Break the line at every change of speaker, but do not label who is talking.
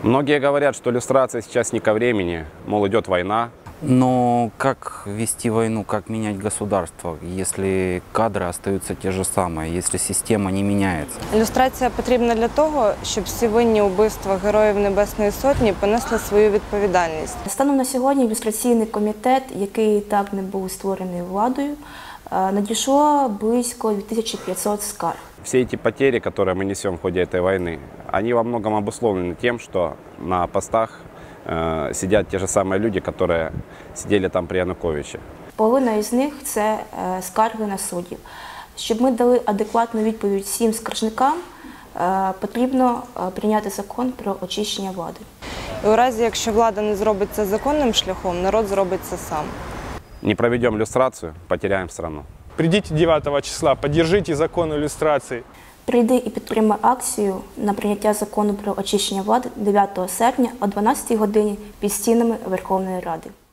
Многие говорят, что иллюстрация сейчас не ко времени, мол, идет война.
Но как вести войну, как менять государство, если кадры остаются те же самые, если система не меняется?
Ілюстрація потрібна для того, щоб всі винні у вбивствах Героїв Небесної Сотні понесли свою відповідальність.
Станом на сьогодні ілюстраційний комітет, який так не був створений владою, надійшло близько 2500 скарг.
Все эти потери, которые мы несем в ходе этой войны, они во многом обусловлены тем, что на постах сидят те же самые люди, которые сидели там при Януковиче.
Половина із них – це скарги на суддів. Щоб ми дали адекватну відповідь всім скаржникам, потрібно прийняти закон про очищення влади.
І у разі, якщо влада не зробить це законним шляхом, народ зробить це сам.
Не проведем иллюстрацию, потеряем страну.
Придите 9 числа, поддержите закон иллюстрации.
Прийди і підтримай акцію на прийняття закону про очищення влади 9 серпня о 12 годині під стінами Верховної Ради.